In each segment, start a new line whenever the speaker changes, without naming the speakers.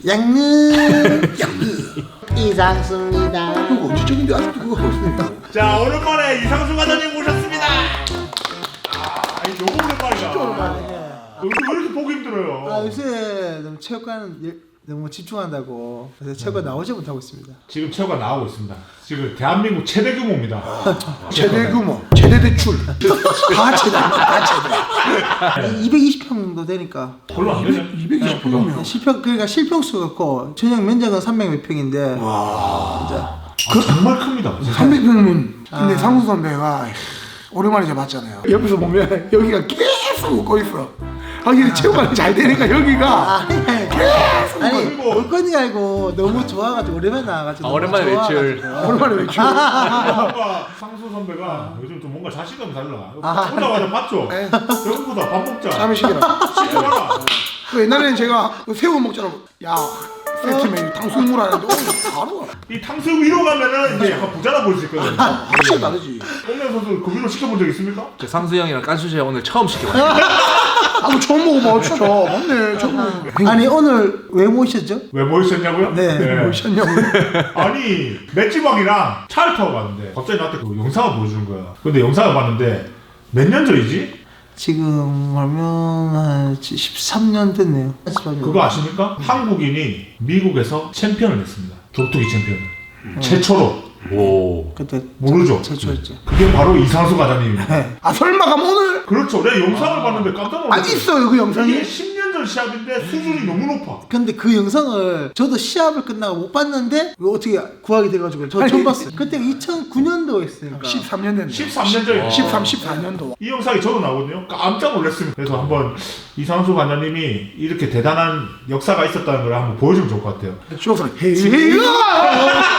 양느 이상수입니다.
그거 언제적인데 아직도 그거 하고 있으니까.
자, 오랜만에 이상수 과장님 모셨습니다. 아니 너무 오랜만이다.
진짜 오랜만이네.
요즘 왜 이렇게 보기 힘들어요?
아 요새 너무 체육관 너무 집중한다고 그래서 체육관 나오지 못하고 있습니다.
지금 체육관 나오고 있습니다. 지금 대한민국 최대 규모입니다.
최대 규모, 최대 대출, 다 최다, 다 최다.
220평 정도 되니까
별로 안 되네.
220평이면.
실평 그러니까 실평수가 있고 전용 면적은 300 몇 평인데
아, 정말 큽니다.
300평이면 근데 상수 선배가 오랜만에 제가 봤잖아요. 옆에서 보면 여기가 계속 웃고 있어. 아 이게 체육관이 잘 되니까 여기가 계속
아니 올 건이 알고 너무 좋아가지고 오랜만에 나와가지고
오랜만에 외출.
오랜만에 외출.
뭔가 상수 선배가 요즘 좀 뭔가 자신감이 달라. 오자마자 봤죠? 여기보다 밥 먹자.
잠이 시켜라.
시켜봐라.
그 옛날에는 제가 새우 먹자고 야 세트 메뉴 탕수육물 하는데 오늘 바로 와.
이 탕수육 위로 가면은 이제 약간 부자라 보일 수 있거든요.
확실히 다르지.
홍명 선수 그 위로 시켜본 적 있습니까?
저 상수 형이랑 깐수 씨 오늘 처음 시켜봤어요.
아뭐 처음 먹어봐 진짜. 맞네 처음.
아니 오늘 왜 모셨죠?
왜 모이셨냐고요?
네.
뭐셨냐고.
아니 맷집왕이랑 차를 타고 갔는데 갑자기 나한테 그 영상을 보여주는 거야. 근데 영상을 봤는데 몇 년 전이지?
지금 하면 한 13년 됐네요. 13년.
그거 아십니까? 한국인이 미국에서 챔피언을 했습니다. 격투기 챔피언. 최초로.
오.
그때
모르죠?
최초였죠.
그게 바로 이상수 과장님입니다.
아 설마 그럼 오늘
그렇죠. 내가 영상을 봤는데 깜짝
안
놀랐어요.
있어요 그 영상이?
이게 10년 전 시합인데 수준이 너무 높아.
근데 그 영상을 저도 시합을 끝나고 못 봤는데 이거 어떻게 구하게 돼가지고 저 처음 봤어요. 그때 2009년도였으니까.
13년 됐네.
13년 전이에요.
13, 14년도.
이 영상이 저도 나오거든요. 깜짝 놀랐습니다. 그래서 한번 이상수 관장님이 이렇게 대단한 역사가 있었다는 걸 한번 보여주면 좋을 것 같아요.
쇼스는 헤이가.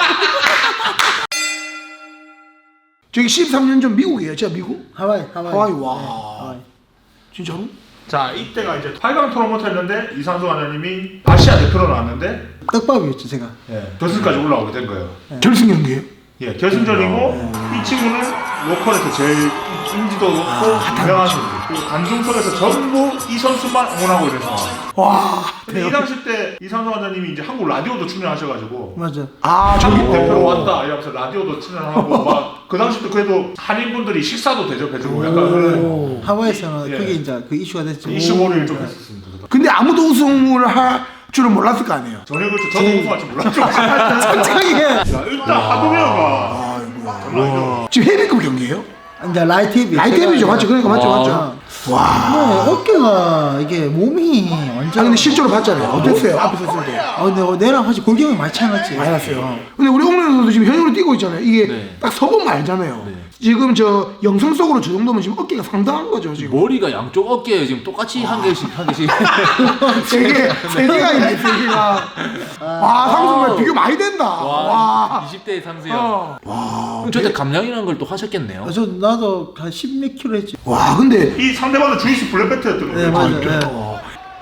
저기 13년 전 미국이에요, 진짜 미국?
하와이.
하와이 와.
하와이.
진짜로?
자, 이때가 이제 8강 토너먼트 했는데 이상수 관장님이 아시아 대표로 나왔는데
떡밥이었죠 제가.
결승까지 올라오게 된 거예요.
결승 경기예요?
예, 결승전이고 이 친구는 로컬에서 제일 인지도 높고 유명한 선수. 그리고 관중석에서 전부 이 선수만 응원하고 있는 상황.
와.
근데 이 당시 때 이상수 관장님이 이제 한국 라디오도 출연하셔가지고
맞아.
아 저기
한국 대표로 왔다 이러면서 라디오도 출연하고 막 그 당시도 그래도 한인분들이 식사도 대접해주고 약간 그런
하와이에서는
예.
그게 이제 그 이슈가 됐죠.
이슈몰이를 좀 했었습니다.
근데 아무도 우승을 할 줄은 몰랐을 거 아니에요.
전혀 그렇죠. 저도 우승할 줄 몰랐죠.
솔직하게
자, 일단 하도메어가
아이고야. 지금 헤비급 경기예요?
이제 라이트
라이트 헤비죠, 맞죠? 그러니까 맞죠,
와.
맞죠.
네,
와.
어깨가 이게 몸이
아
완전.
근데 실제로 봤잖아요. 어땠어요? 앞에 섰을 때.
근데 내랑 사실 골격이 많이 차이 났지.
많이 났어요. 근데 우리 옥련 선수 지금 현역으로 뛰고 있잖아요. 이게
네.
딱 서보면 알잖아요.
네.
지금 저 영상 속으로 저 정도면 지금 어깨가 상당한 거죠 지금.
머리가 양쪽 어깨에 지금 똑같이 한 개씩.
세 개가 있네, 세 개가. 와, 상승만 비교 많이 된다. 와.
20대 상수 형.
와.
그럼 저때 감량이라는 걸 또 하셨겠네요.
나도 한 10몇 킬로 했지.
와, 근데
이 상대방은 주이스 블랙벨트였던 거예요.
네 맞아.
이렇게.
네.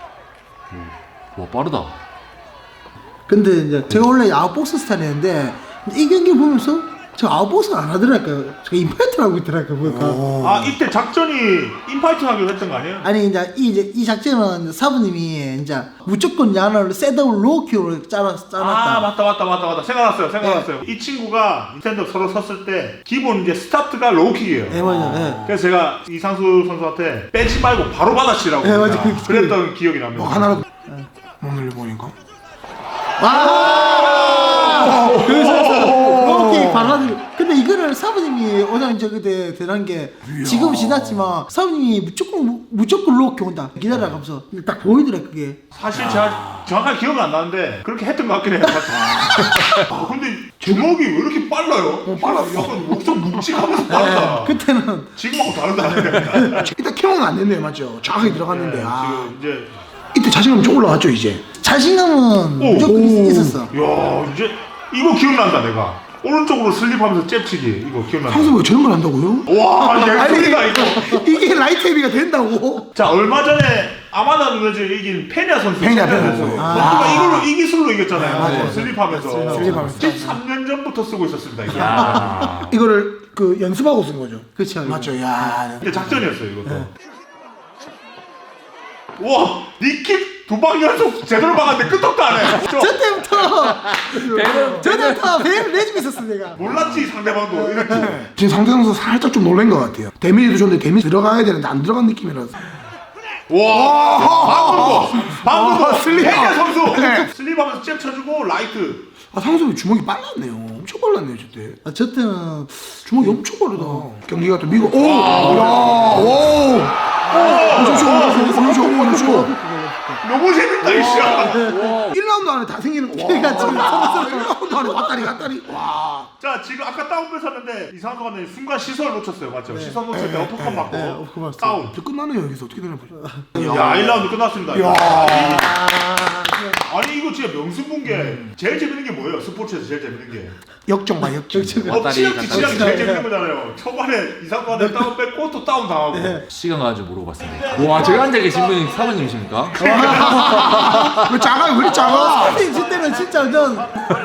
와 빠르다.
근데 이제 제가 원래 아웃복스 스타일이었는데 이 경기 보면서 저 아웃복스 안 하더라고요. 저 임파이트를 하고 있더라고요. 보니까.
아, 이때 작전이 인파이팅 하기로 했던 거 아니에요?
아니 이제 이 작전은 사부님이 이제 무조건 야나를 셋업을 로키로 짜놨다.
아, 맞다. 생각났어요. 이 친구가 스탠드업 서로 섰을 때 기본 이제 스타트가 로우킥이에요.
네 맞아. 네.
그래서 제가 이상수 선수한테 빼지 말고 바로 받아치라고
네, 맞아.
그랬던 기억이 납니다.
뭐 하나로 몸을 보니까.
그래서 로키 발라드. 근데 이거를 사부님이 오늘 이제 그때 대단한 게 지금 지났지만 사부님이 무조건 로키 온다 기다려가면서 근데 딱 보이더라 그게.
사실 제가 정확하게 기억은 안 나는데 그렇게 했던 것 같긴 해요. 근데 주먹이 왜 이렇게 빨라요?
빨랐어.
약간 엄청 묵직하면서 빠르다.
그때는
지금하고 다르다.
일단 캐논은 안 됐네요, 맞죠? 정확하게 들어갔는데. 아.
지금 이제
이때 자신감 좀 올라왔죠, 이제.
자신감은 무조건 있었어.
야, 이제 이거 기억난다 내가. 오른쪽으로 슬립하면서 잽치기 이거 기억난다.
상수 왜 저런 걸 한다고요?
와, 예술이다 이거.
이게 라이트 헤비가 된다고?
자, 얼마 전에 아마다 누르즈 이긴 페냐 선수.
페냐
선수.
선수.
선수가 이걸로 이 기술로 이겼잖아요.
맞아요.
슬립하면서.
슬립하면서.
13년 전부터 쓰고 있었습니다. 이게.
이거를 그 연습하고 쓴 거죠.
그쵸.
맞죠, 야.
이게 작전이었어요 이것도. 와, 니킥 두 방 연속 제대로 박았는데 끄떡도 안 해.
저 때부터
배는
배를 내주고 있었어 내가.
몰랐지 상대방도 이렇게.
지금 상대 선수 살짝 좀 놀란 것 같아요. 데미지도 좋은데 데미지 들어가야 되는데 안 들어간 느낌이라서.
와, 방금도
슬립.
페냐 선수
네.
슬립하면서 잽 쳐주고 라이트.
아, 상수이 주먹이 빨랐네요. 엄청 빨랐네요, 저때.
저 때는
주먹이 엄청 빠르다. 경기가 또 미국. 오! 야! 오! 그렇죠.
너무 재밌다 이씨.
1라운드 안에 다 생기는 거.
그러니까 지금
1라운드 안에 왔다리. 와.
자 지금 아까 다운 뺏었는데 이상한 거 같네. 순간 시선을 놓쳤어요, 맞죠? 시선 놓칠 때 어퍼컷 맞고
어퍼컷 맞았어요.
다운.
이제 끝나네요, 여기서. 어떻게 되나 보죠.
야 1라운드 끝났습니다.
야.
아니 이거 진짜 명승 게 제일 재밌는 게 뭐예요? 스포츠에서 제일 재밌는 게
역전 봐, 역전.
치약이 제일 재밌는 거잖아요. 초반에 이상한데 다운 뺏고 또 다운 당하고.
시간 가지고 물어봤습니다. 와, 저기 앉아 계신 분이 사모님이십니까?
왜 작아요? 왜 이렇게 작아?
저 때는 진짜 전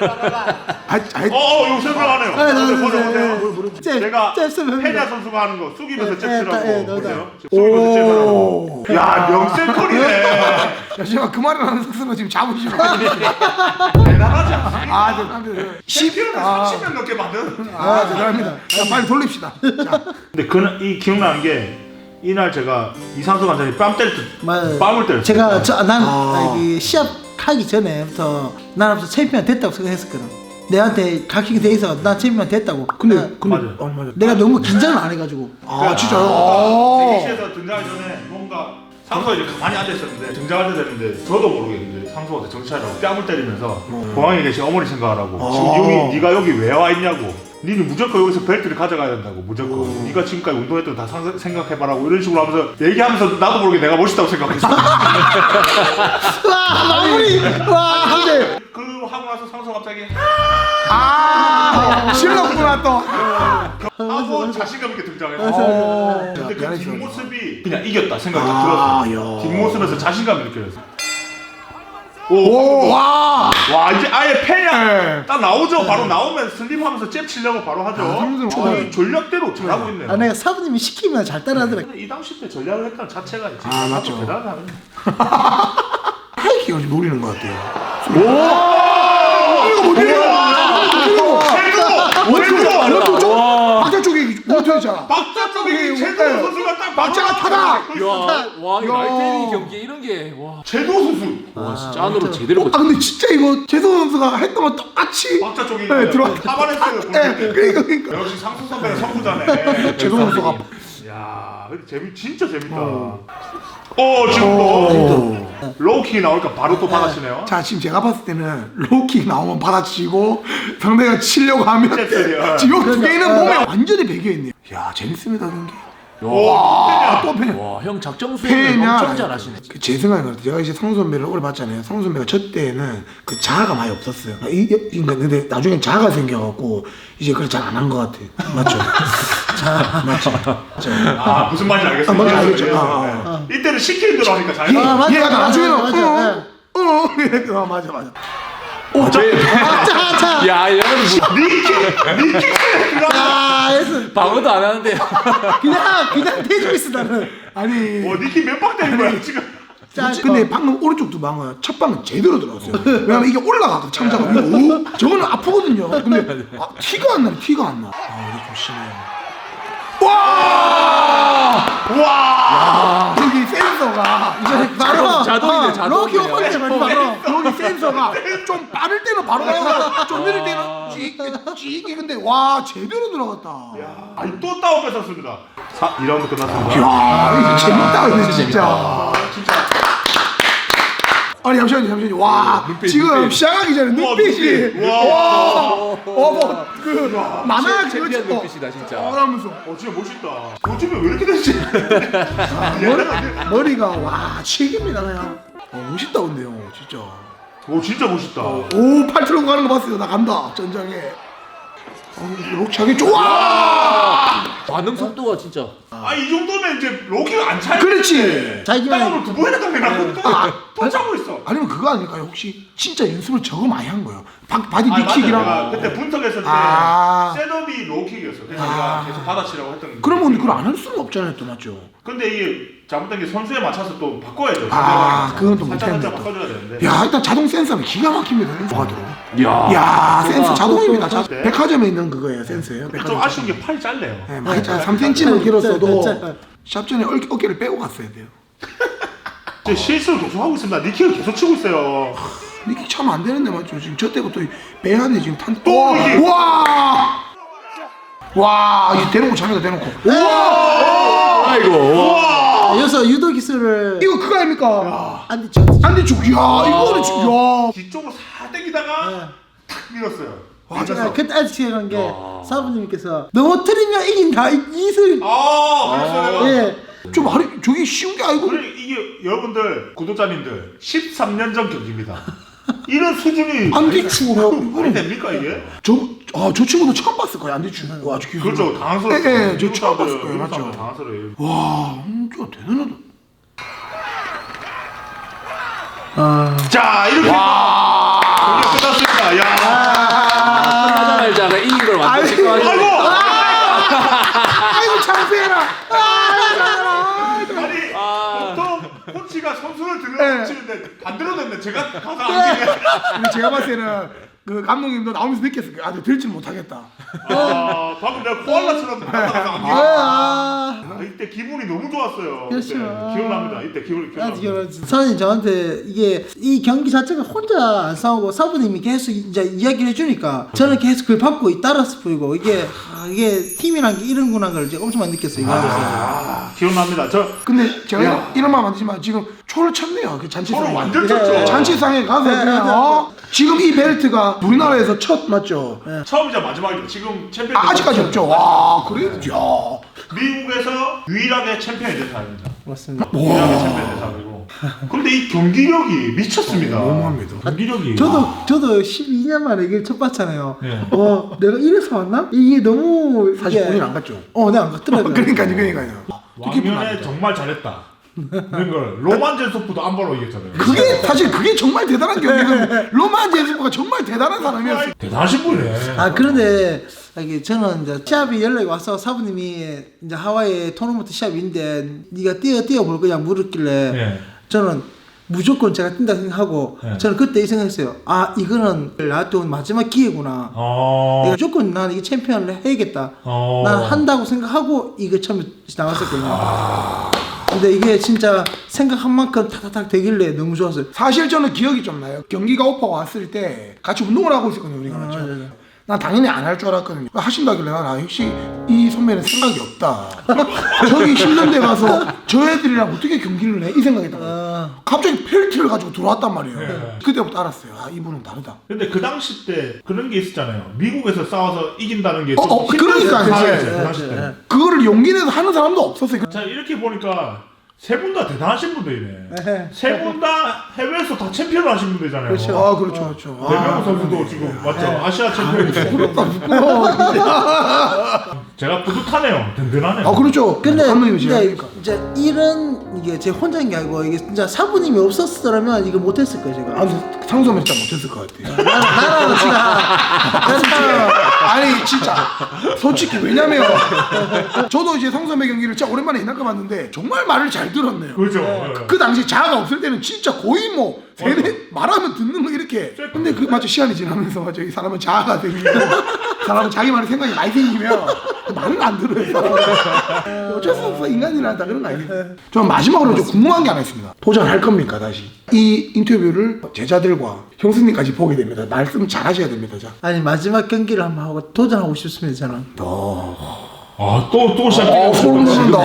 이거 생각하네요.
잽,
제가
잽쓰면
페냐 선수가 하는 거 숙이면서
네,
잽치라고
네,
보세요.
네,
숙이면서 잽하라고. 야 명셀컬이네.
야, 제가 그 말을 하는 선수가 지금 잡으시면.
대단하지 않습니까?
아, 대단합니다.
10kg를 30명 넘게 만든.
대단합니다. 자, 빨리 돌립시다. 자.
근데 그날 이 기억나는 게 이날 제가 이상수 관장이 뺨 때릴 때 뺨을 때렸어요.
제가 난 시합 하기 전에부터 나는 챔피언 됐다고 생각했었거든. 내한테 각식이 돼 있어. 나 챔피언 됐다고.
근데
맞아요.
맞아.
내가 너무 긴장을 안 해가지고.
아, 진짜요?
대기실에서 등장하기 전에 뭔가 상수가 이제 가만히 앉아있었는데 등장할 때 됐는데 저도 모르겠는데 상수한테 정찰하고 뺨을 때리면서 공항에 계신 어머니 생각하라고 지금 여기 네가 여기 왜 와 있냐고 니는 무조건 여기서 벨트를 가져가야 된다고 무조건 네가 지금까지 운동했던 거 다 생각해봐라고 이런 식으로 하면서 얘기하면서 나도 모르게 내가 멋있다고 생각했어.
와 마무리. 와 근데
그 하고 나서 상수가 갑자기
실력구나 또.
하고 자신감 있게 등장했어. 근데 그 뒷모습이 그냥 이겼다 생각이 들었어. 뒷모습에서 자신감이 느껴졌어. 와 이제 아예 패냐 딱 나오죠. 바로 나오면 슬립하면서 잽 치려고 바로 하죠. 거의 전략대로 잘하고 있네요.
내가 사부님이 시키면 잘 따라하더라.
근데 이 당시 때 전략을 했다는 자체가 이제
맞죠.
대단하네.
하이킥을 좀 노리는 것 같아요. 박자 쪽에 못했잖아.
박자 쪽에 최도호 선수가 딱
박자가 타다.
와, 이 라이테닝 경기 이런 게 와,
최도호 선수
진짜 안으로 제대로
아 근데 진짜 이거 재성 선수가 했던 거 똑같이.
박자 쪽에
들어와.
타반했어요.
그러니까.
역시 상수 선배는 선구자네.
재성 선수가.
야 근데 진짜 재밌다. 지금 또 로우킥이 나오니까 바로 또 받아치네요.
자 지금 제가 봤을 때는 로우킥 나오면 받아치고 상대가 치려고 하면 지금 두 개는 몸에 완전히 배겨있네요. 야 재밌습니다 경기. 또 패.
와, 형 작정 수행을
패냐?
엄청 잘하시네.
제 생각에 그렇다. 제가 이제 상수 선배를 오래 봤잖아요. 상수 선배가 저 때는 그 자아가 많이 없었어요. 근데 나중에 자아가 생겨갖고 이제 그걸 잘 안 한 것 같아. 맞죠? 맞죠?
무슨 말인지 알겠어요.
뭔지 알겠죠?
이때는 시키는 대로 하니까 잘.
맞아,
얘가
맞아,
나중에는
맞아,
맞아.
야, 얘는
니킥
방어도 안 하는데.
그냥 대주고 있어 나는.
아니.
니킥 몇 방 때린 거야 지금.
근데 방금 오른쪽 두 방은 첫 방은 제대로 들어갔어요. 왜냐면 이게 올라가거든 참자가 위로. 저거는 아프거든요. 근데 티가 안 나. 이게 좀 심해요. 와! 여기 센서가 이제
바로
자동이네, 자동.
로키 오픈데 바로.
여기 센서가 좀 빠를 때는 바로 나오고 좀 느릴 때는 찌익 근데 와 제대로 들어갔다.
아니 또 다운 뺏었습니다. 2라운드 끝났습니다.
야 이거 재밌다 이거 진짜.
진짜.
아니 잠시만요. 와 지금 시작하기 전에 눈빛이 그 만화 그거
챔피언
찍고
눈빛이다 진짜.
하면서
진짜 멋있다. 요즘에 왜 이렇게 됐지?
머리가 와 책입니다 그냥. 멋있다 근데요 진짜.
진짜 멋있다.
오 팔트로 가는 거 봤어요. 나 간다 전장에. 록차게 좋아.
반응 속도가 진짜.
이 정도면 이제 로키가 안 차요.
그렇지.
다운을 2번이나 당겨놨고 또 차고 있어.
아니면 그거 아닐까요? 혹시 진짜 연습을 저거 많이 한 거예요? 바디 니킥이랑.
맞아. 그때 분석했을 때 셋업이 로킥이었어. 그래서 내가 계속 받아치라고 했던.
그러면 그걸 안 할 수는 없잖아요, 또 맞죠?
근데 이게 잘못된 게 선수에 맞춰서 또 바꿔야죠.
그건 또
살짝
못했네.
바꿔줘야 되는데.
야 일단 자동 센서는 기가 막힙니다. 센서가 들어.
야.
야 센서 자동입니다.
네.
백화점에 있는 그거예요 센서예요.
좀
백화점.
아쉬운 게 팔이 짧네요.
네, 많이 짧아. 3cm는 길었어도
짧아.
샵 전에 어깨를 빼고 갔어야 돼요.
제 실수를 계속 하고 있습니다. 니킥을 계속 치고 있어요.
이게 참 안 되는데 맞죠? 지금 저 때부터 배한테 지금 탄.
또 이게.
와, 이 대놓고 잡니다 대놓고.
아이고.
여기서 유도 기술을
이거 그거 아닙니까?
안디 쳤.
안디축. 야, 이거는 지금 야.
뒤쪽으로 싹 당기다가 탁 밀었어요.
제가 그때 아직 기억한 게 사부님께서 넘어뜨리면 이긴다 이 기술.
그랬어요.
예.
좀 말이 저게 쉬운 게 아니고.
그래 이게 여러분들 구독자님들 13년 전 경기입니다. 이런 수준이
안디축을
말이 됩니까 이게?
저 친구도 처음 봤을 거예요 안디축. 와, 저 기술.
그렇죠. 당황스러워요.
예, 저 처음 봤을 거예요, 맞죠?
당황스러워요.
와, 진짜 대단하다.
자 이렇게 경기가 끝났습니다. 야.
끝나자마자 이긴 걸 완전 직관하시네.
아이고.
아이고 창피해라.
아니 보통 코치가 선수를 들어 치는데 반대로 됐네. 제가 가서 안기네.
근데 제가 봤을 때는 그 감독님도 나오면서 느꼈을 거예요. 아주 들지를 못하겠다.
방금 내가 코알라처럼 나가서 안기네. 이때 기분이 너무 좋았어요.
그렇죠.
그때 기억납니다. 이때 기분이 기억납니다.
사장님 저한테 이게 이 경기 자체가 혼자 안 싸우고 사부님이 계속 이제 이야기를 해주니까 저는 계속 그걸 받고 따라서 보이고 이게 팀이란 게 이런구나 걸 이제 엄청 많이 느꼈어요. 이거 하면서.
기억납니다.
근데 제가 이런 말 만드지만 지금 초를 쳤네요. 그 잔치상에.
서로 완전 쳤죠.
잔치상에 가서 그냥 지금 이 벨트가 우리나라에서 첫 맞죠?
처음이자 마지막이죠. 지금 챔피언.
아직까지 없죠. 와, 그래? 야.
미국에서 유일하게 챔피언이 된 사람입니다.
맞습니다.
유일하게 챔피언이 된 사람이고. 근데 이 경기력이 미쳤습니다.
너무합니다.
경기력이.
저도 12년 만에 이걸 첫 봤잖아요.
네.
내가 이래서 왔나? 이게 너무
사실 본인 안 갔죠.
내가 안 갔더라고요.
그러니까요.
왕년에 정말 잘했다. 이런 걸 로만 젠소프도 안 바로 이겼잖아요.
그게 정말 대단한 경기는 로만 제스퍼가 정말 대단한 사람이었어요.
대단하신 분이네.
그런데 이게 저는 이제 시합이 연락이 와서 사부님이 이제 하와이 토너먼트 시합인데 네가 뛰어볼 거냐 물었길래
네.
저는 무조건 제가 뛴다 생각하고 저는 그때 이 생각했어요. 이거는 나한테 온 마지막 기회구나. 내가 무조건 난 이게 챔피언을 해야겠다. 난 한다고 생각하고 이거 처음에 나왔었거든요. 근데 이게 진짜 생각한 만큼 타타닥 되길래 너무 좋았어요.
사실 저는 기억이 좀 나요. 경기가 오퍼가 왔을 때 같이 운동을 하고 있었거든요, 우리가. 맞죠? 난 당연히 안 할 줄 알았거든요. 하신다길래 난 역시 이 선배는 생각이 없다. 저기 힘든 데 가서 저 애들이랑 어떻게 경기를 해? 이 생각했다가 갑자기 펠트를 가지고 들어왔단 말이에요. 그때부터 알았어요. 이분은 다르다.
근데 그 당시 때 그런 게 있었잖아요. 미국에서 싸워서 이긴다는 게
그러니까요.
그 당시 때.
그거를 용기 내서 하는 사람도 없었어요.
자 이렇게 보니까 세 분 다 대단하신 분들이네. 세 분 다 해외에서 다 챔피언을 하신 분들이잖아요.
그렇죠.
그렇죠.
대명호 선수도 지금 맞죠? 아시아 챔피언이고. 제가 뿌듯하네요. 든든하네요.
그렇죠.
근데
감독님이 제가 하니까.
이제 이게 제 혼자인 게 아니고 이게 진짜 사부님이 없었더라면 이거 못했을 거예요 제가.
상소면 진짜 못했을 것 같아요.
나랑
아니 진짜 솔직히 왜냐면 저도 이제 성선배 경기를 진짜 오랜만에 이날까 봤는데 정말 말을 잘 들었네요.
그렇죠.
그 당시 자아가 없을 때는 진짜 거의 뭐 세대 말하면 듣는 거 이렇게. 근데 그 맞죠, 시간이 지나면서 맞죠, 이 사람은 자아가 생기고 사람은 자기 말에 생각이 많이 생기면 말을 안 들어요. 어쩔 수 없어, 인간이라 다 그런 거 아니에요. 저 마지막으로 좀 궁금한 게 하나 있습니다. 도전할 겁니까 다시? 이 인터뷰를 제자들과 형수님까지 보게 됩니다. 말씀 잘 하셔야 됩니다. 자.
아니 마지막 경기를 한번 하고 도전하고 싶습니다 저는.
또 시작해요.
소름 돋는다.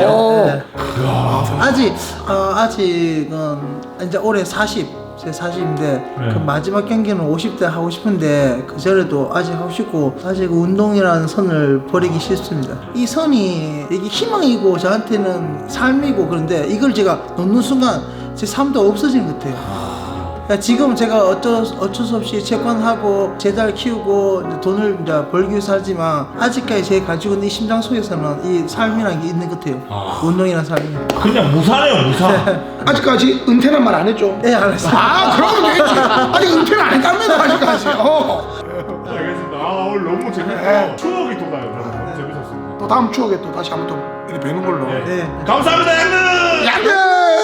아직은 이제 올해 40제 40인데 그 마지막 경기는 50대 하고 싶은데 그 전에도 아직 하고 싶고 아직 운동이라는 선을 버리기 싫습니다. 이 선이 이게 희망이고 저한테는 삶이고 그런데 이걸 제가 놓는 순간 제 삶도 없어지는 것 같아요. 그러니까 지금 제가 어쩔 수 없이 채권하고 제자를 키우고 이제 돈을 이제 벌기 위해서 살지만 아직까지 제가 가지고 있는 이 심장 속에서는 이 삶이라는 게 있는 것 같아요. 운동이라는 삶이.
그냥 무사네요, 무사.
아직까지 은퇴는 말 안 했죠?
네, 알았어요.
그러면 되겠지. 아직 은퇴는 안 했답니다, 아직까지.
알겠습니다. 오늘 너무 재밌고 추억이 돋아요. 재밌었습니다.
또 다음 추억에 또 다시 한번 또 이렇게 뵈는 걸로.
네.
네.
감사합니다, 형님.
양들!